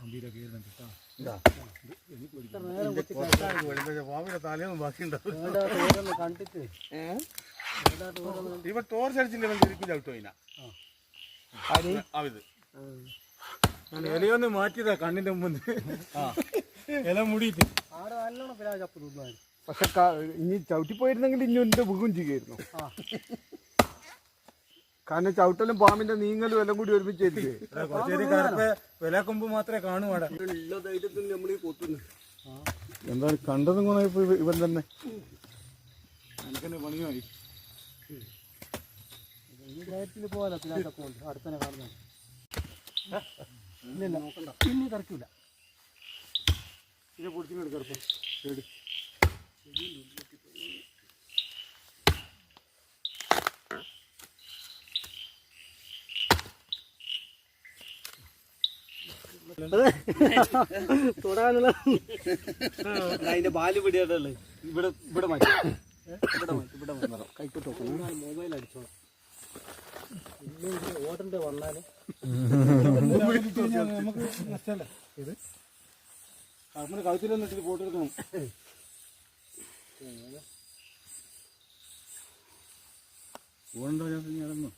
തലയൊന്നും ബാക്കിയുണ്ടാവും. ഇവ ടോർച്ച് അടിച്ചില്ല ചവിട്ടോ ഇലയൊന്ന് മാറ്റിയതാ കണ്ണിന്റെ മുമ്പ് ഇല മുടിയിട്ട് പക്ഷെ ഇനി ചവിട്ടിപ്പോയിരുന്നെങ്കിൽ ഇനി എന്റെ മുഖം ചെയ്യുമായിരുന്നു. കാരണം ചവിട്ടലും പാമ്പിന്റെ നീങ്ങലും എല്ലാം കൂടി ഒരുമിച്ചായിരിക്കും. വിലക്കൊമ്പ് മാത്രമേ കാണൂ അവിടെ. എന്താ കണ്ടതും ഗുണമായിപ്പോ ഇവൻ തന്നെ എനിക്കെന്നെ പണിയായി. പോകാലോ അടുത്തന്നെ കാണുന്ന നോക്കണ്ട പിന്നെ കറക്കൂല. പിന്നെ പൊടിച്ചിങ്ങോട്ട് കിടപ്പം ശരി. തൊടാനുള്ള അതിന്റെ ബാല് പിടിയായിട്ടുള്ളത് ഇവിടെ ഇവിടെ മാറ്റി ഇവിടെ കൈക്കോട്ട് നോക്കണം. മൊബൈൽ അടിച്ചോളാം. ഓടന്റെ വന്നാല് നമുക്ക് നഷ്ടമല്ല. ഇത് നമ്മുടെ കഴുത്തിലൊന്നിട്ട് ഫോട്ടോ എടുക്കണം. ഓടണ്ടോ ഞാനൊന്നും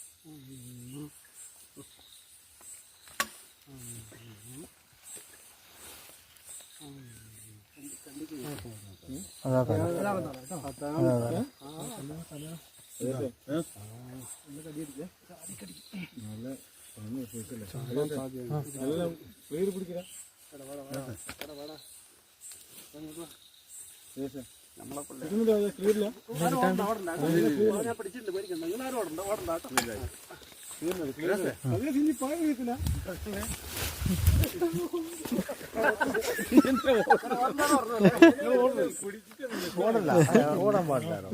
ഓടാൻ പാടില്ലാലോ.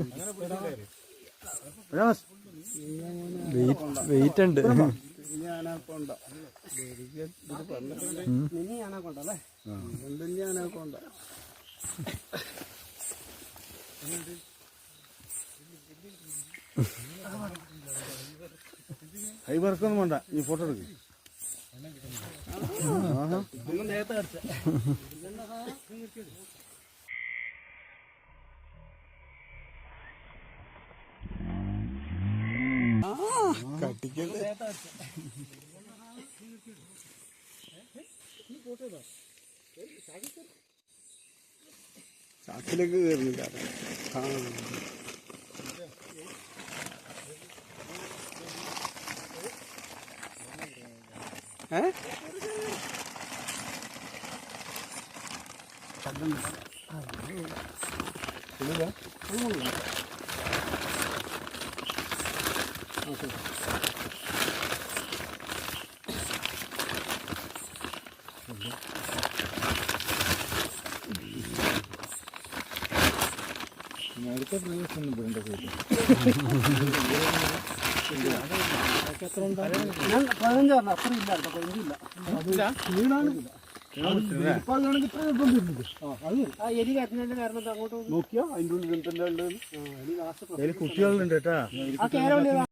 വെയിറ്റ് ഉണ്ട്. ഹൈ വർക്കൊന്നും വേണ്ട, ഈ ഫോട്ടോ എടുക്കും. ചാക്കിലേക്ക് കയറുന്നില്ല. അടുത്ത പ്രദേശം വേണ്ട പോയിട്ട് 15 അത്ര ഇല്ല. 15 ഇല്ല. എലി കരഞ്ഞതിന്റെ കാരണം അങ്ങോട്ട് നോക്കിയാ അതിൻ്റെ ഉള്ളിൽ കുട്ടികളുണ്ട് കേട്ടാ.